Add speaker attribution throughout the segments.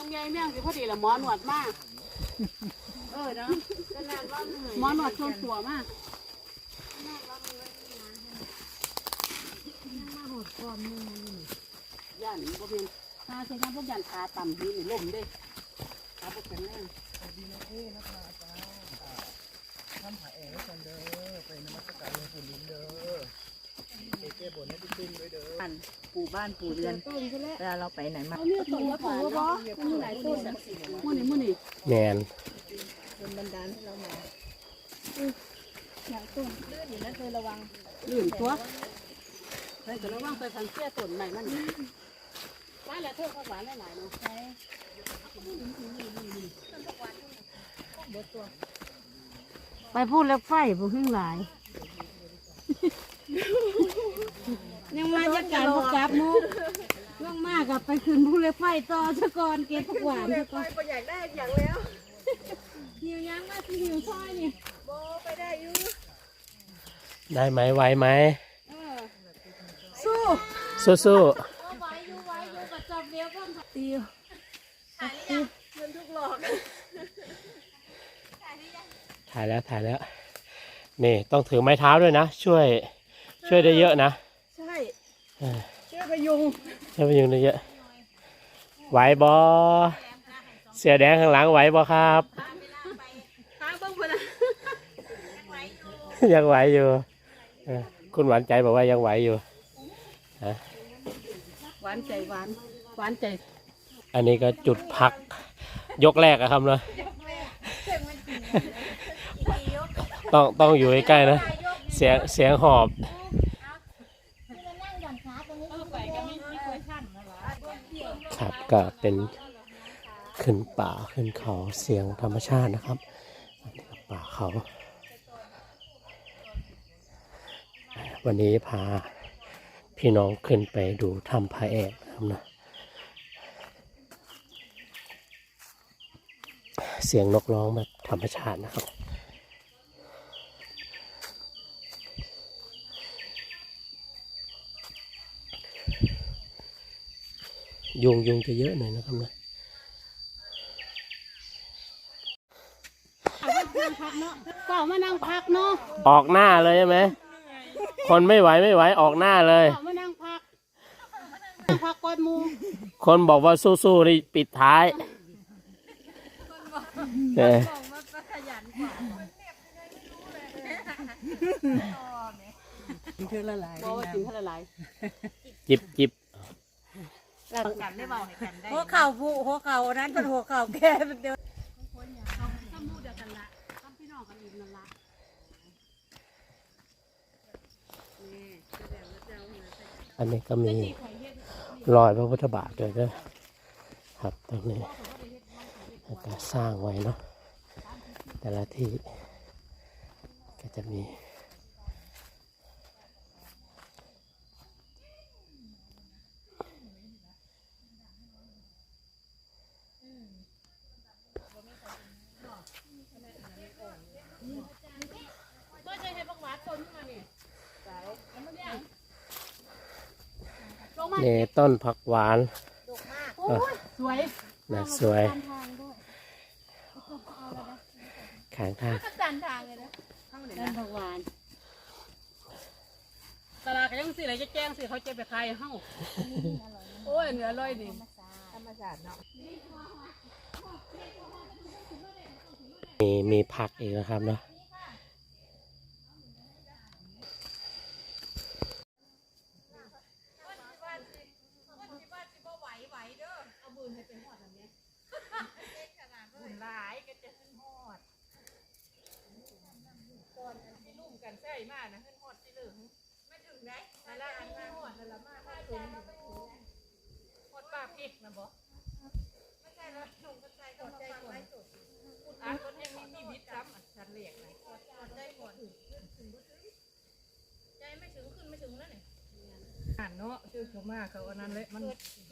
Speaker 1: ไงแม่งสิพอดีละหมอหนวดมากเนาะหมอหนวดชวนตัวมากย่านบ่เป็นตาใช้งานพวกย่านขาต่ำนี่ล่มได้ขาบ่แข็งแรง
Speaker 2: ดีนะนักมาจ้าทำผาแอกกันเด้อไปนมัสการหลวงปู่ลิ้นเด้อไปแก้บนให้ตุ้มด้วยเด้อ
Speaker 3: ปู่บ้านปู่เรือนเวลาเราไปไหนมา
Speaker 1: เอาเนี่ยต้นละปู่บ่มีหลายต้นมื้อนี้
Speaker 4: แมน
Speaker 3: เป็นบันดาลให้เรามาอยากต้นลื่นอยู่นะเธอระวัง
Speaker 1: ลื่นตัวเฮ้ยก็ระวังไปพันเสียต้นใหม่มันมาแล้วเธอผักหวานหลายๆเนาะ
Speaker 3: ไปพูดแล้วไฟบ่ขึ้นหลายยังมาจากการประกาศมุกย่องมากกับไปคืนพูดแล้วไฟต่อซะก่อนเก็บผักหวานซะก่อน
Speaker 1: อยากได้อย่างแล้ว
Speaker 3: หิวยังมาที่หิวซอยนี่
Speaker 1: โบไปได้อยู่
Speaker 4: ได้ไหมไหวไหม
Speaker 3: สู้
Speaker 4: สู้
Speaker 3: ไหวอยู่กับจอบเดียวพ่อมตี
Speaker 1: เงินทุกหลอก
Speaker 4: ถ่ายแล้วนี่ต้องถือไม้เท้าด้วยนะช่วยได้เยอะนะ
Speaker 1: ใช่ช่วยพยุง
Speaker 4: ได้เยอะไหวบอเสือแดงข้างหลังไหวบอครับยังไหวอยู่คุณหวานใจบอกว่ายังไหวอยู่
Speaker 1: หวานใจ
Speaker 4: อันนี้ก็จุดพักยกแรกอะครับเนาะต้องอยู่ใกล้ๆนะเสียงหอบครับก็เป็นขึ้นป่าขึ้นเขาเสียงธรรมชาตินะครับป่าเขาวันนี้พาพี่น้องขึ้นไปดูถ้ำพระแอกนะครับนะเสียงนกร้องแบบธรรมชาตินะครับยุงจะเยอะหน่อยนะครับนะ
Speaker 1: ก็มานั่งพักเนาะ
Speaker 4: ออกหน้าเลยใช่ไหมคนไม่ไหวออกหน้าเลย
Speaker 1: มานั่งพักก่อนมู
Speaker 4: คนบอกว่าสู้ๆนี่ปิดท้าย
Speaker 1: เธอละลาย
Speaker 4: จิบ
Speaker 3: หัวเข่าผู้หัวเข่านั้นเป็นหัวเข่าแก่เป็นเดียว
Speaker 4: อันนี้ก็มีรอยพระพุทธบาทด้วยนะครับตรงนี้ก็สร้างไว้เนาะแต่ละที่ก็จะมีนี่ต้นผักหวาน
Speaker 1: สวย
Speaker 4: น่าสวยข้างทาง
Speaker 1: ต้นผักหวานตลาดก็ยังสิอะไรจะแจ้งสิเขาจะไปขายเฮ้าโอ้ยเนื้ออร่อยดิธรรมชาติเนาะ
Speaker 4: มีผักอีกนะครับเนาะ
Speaker 1: เนาะชื่อเขามากเขาอันนั้นเลยมัน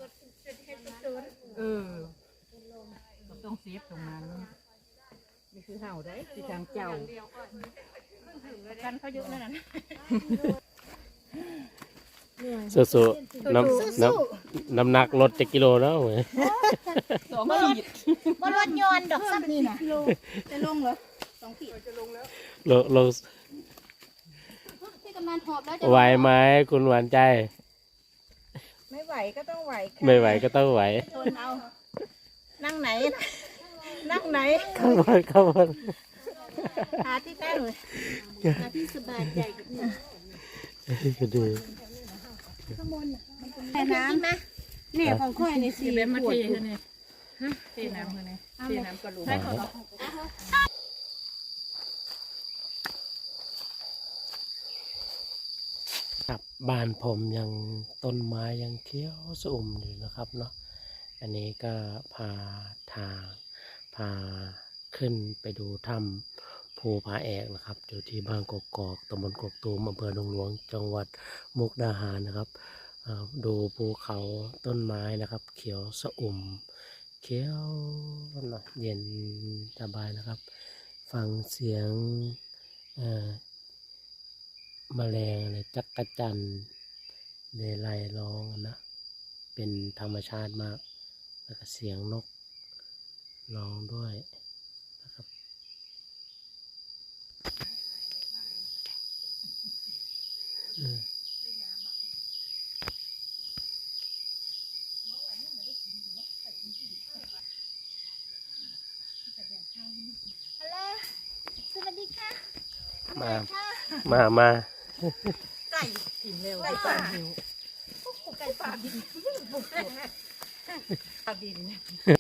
Speaker 1: ต้องเซฟตรงนั้นนี่คือเห่าได้ที่ทางเจ้ากันเขาเยอะนั่นน่ะ
Speaker 4: สู้ๆน้ำหนักลด7 กิโลแล้วเว้ย
Speaker 3: บ่รถยนต์ดอกซ้ำนี่น่ะจะลงเหรอ2 ขีด
Speaker 4: ลง
Speaker 3: พี่กำนันหอบแล้วจะ
Speaker 4: ไหวไหมคุณหวานใจ
Speaker 3: ไม่ไหวก็ต้องไหวค่ะ
Speaker 4: ไม่ไหวก็ต้องไหว
Speaker 3: ทนเอานั่งไหน นั่งไหน
Speaker 4: ข้างบน
Speaker 3: หาที่ตั้งเลยหาที่สบายใจกับนี่
Speaker 4: ก็ดี
Speaker 3: แม่น้ำนะเนี่ยของค่อยในสี
Speaker 1: แบบมา
Speaker 3: ขวด
Speaker 1: เทเนี่ยเทน้ำเขาเนี่ยเทน้ำกระลุก
Speaker 4: ครับบ้านผมยังต้นไม้ยังเขียวสอุ่มอยู่นะครับเนาะอันนี้ก็พาขึ้นไปดูถ้ำภูผาแอกนะครับอยู่ที่บ้านกกอกตำบลกกตูมอำเภอดงหลวงจังหวัดมุกดาหารนะครับดูภูเขาต้นไม้นะครับ เขียวสอุ่มเขียวเย็นสบายนะครับ ฟังเสียงแมลงอะไรจักระจันเลไลร้องนะเป็นธรรมชาติมากแล้วก็เสียงนกร้องด้วยนะครับ
Speaker 3: ฮัลโหลสวัสดีค่ะ
Speaker 4: มา
Speaker 3: ไก่
Speaker 1: กินเร็วไก่ป่าหิว
Speaker 3: ไก่ป่าดิน
Speaker 1: ป่าดิน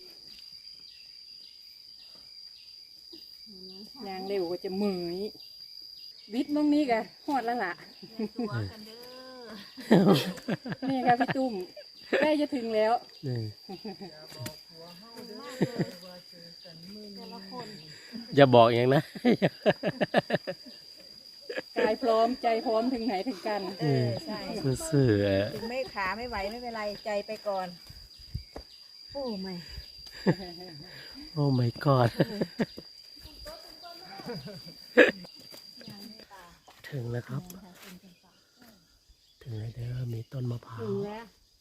Speaker 1: ยางเร็วก็จะมือยวิทย์มองนี้กะหอดแล้วล่ะ
Speaker 3: ตัวกันเด้อ
Speaker 1: นี่ค่ะพี่ตุ้มใกล้จะถึงแล้ว
Speaker 4: อย่าบอกอย่างนะ
Speaker 1: กายพร้อมใจพร้อมถึงไหนถึงกัน
Speaker 3: ใช่
Speaker 4: ซื่อ
Speaker 3: ถึงไม่ขาไม่ไหวไม่เป็นไรใจไปก่อนโอ้ไม่
Speaker 4: โอ้ my god ถึงแล้วครับ ถึงแล้วเด้อมีต้นมะพร้าว
Speaker 3: ถึงแล้ว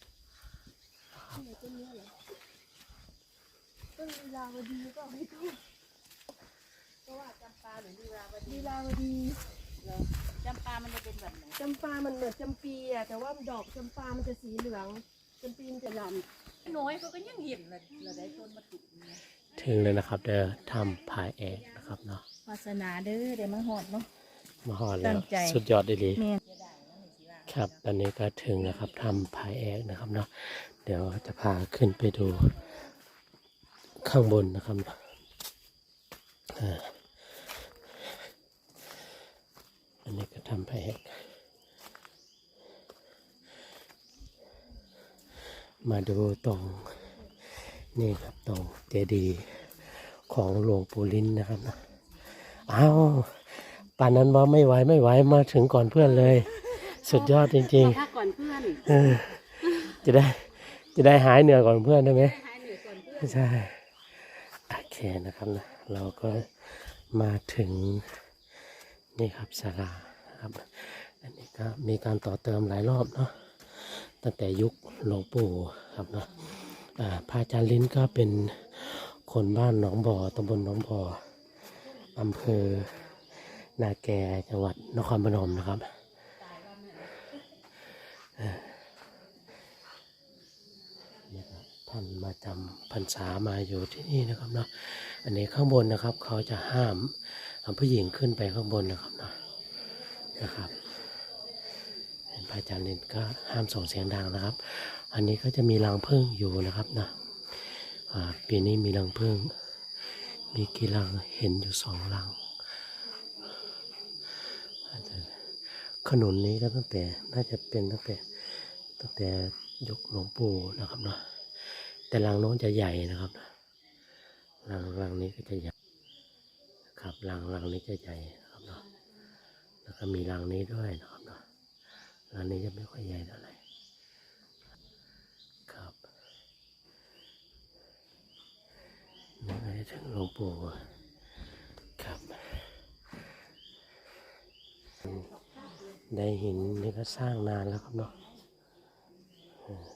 Speaker 5: ลีลาวดี
Speaker 3: จำปามันจะเป็นแบบไหน
Speaker 5: จำปามันเหมือนจำปีอะแต่ว่าดอกจำปามันจะสีเหลืองจำปีมันจะด
Speaker 3: น้อยเขาก็ยังเห็นเลยเราได้ต้นมะตุ่ม
Speaker 4: ถึงเลยนะครับเด้อถ้ำผาแอกนะครับเนาะ
Speaker 3: วาสนาเด้อเดี๋ยวมาหอดเนาะ
Speaker 4: มาหอด
Speaker 3: ตั้
Speaker 4: แล้ว
Speaker 3: งใจ
Speaker 4: สุดยอดเลย
Speaker 3: แม่
Speaker 4: ครับตอนนี้ก็ถึงนะครับถ้ำผาแอกนะครับเนาะเดี๋ยวจะพาขึ้นไปดูข้างบนนะครับอันนี้ก็ถ้ำผาแอกมาดูตรงนี่ครับตรงเจดีย์ของหลวงปู่ลิ้นนะครับนะอ้าวป่านนั้นว่าไม่ไหวมาถึงก่อนเพื่อนเลย สุดยอดจริง
Speaker 3: ถ้าก่อนเพื่อน
Speaker 4: ๆจะได้หายเหนื่อยก่อนเพื่อนได้ไหม
Speaker 3: หายเหนื่อยก่อนเพื่อน
Speaker 4: ใช่โอเคนะครับนะเราก็มาถึงนี่ครับศาลาครับอันนี้ก็มีการต่อเติมหลายรอบเนาะตั้งแต่ยุคหลวงปู่ครับเนาะพระอาจารย์ลิ้นก็เป็นคนบ้านหนองบ่อตำบลหนองบ่ออำเภอนาแกจังหวัดนครพนมนะครับนี่ครับท่านมาจำพรรษามาอยู่ที่นี่นะครับเนาะอันนี้ข้างบนนะครับเขาจะห้ามผู้หญิงขึ้นไปข้างบนนะครับเนาะนะครับพระอาจารย์ลินก็ห้ามส่งเสียงดังนะครับ อันนี้ก็จะมีรังผึ้งอยู่นะครับนะปีนี้มีรังผึ้งมีกี่รังเห็นอยู่2 รังขนุนนี้ก็ตั้งแต่น่าจะเป็นตั้งแต่ยุคหลวงปู่นะครับเนาะแต่รังโน้นจะใหญ่นะครับรังนี้ก็จะใหญ่ครับรังนี้จะใหญ่นะครับเนาะแล้วก็มีรังนี้ด้วยนะครับเนาะรังนี้จะไม่ค่อยใหญ่เท่าไหร่ครับนี่ก็จะถึงหลวงปู่ครับได้หินนี่ก็สร้างนานแล้วครับเนาะ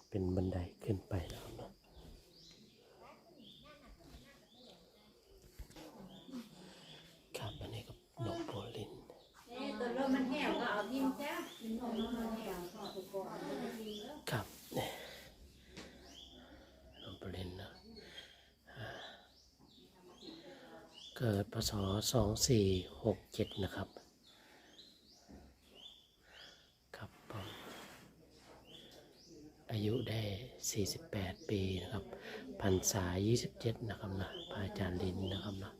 Speaker 4: เป็นบันไดขึ้นไปนะครับเนาะครับอันนี้ก็ดอกโพลิน
Speaker 3: ตัวเริ่มมันแห้วก็เอาทิ้งจ้า
Speaker 4: ครับเนี่ยดอกโพลินนะเกิดพศ2467นะครับครับผมอายุได้48ปีนะครับพรรษา27นะครับนะพระอาจารย์ลินนะครับนะ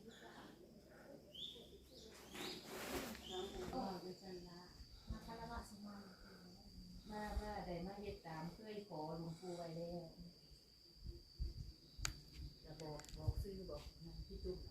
Speaker 3: มาได้มาเฮ็ดตามเคยขอหลวงปู่ไว้แล้วจะบอกซื้อบอกพี่ตุ้ม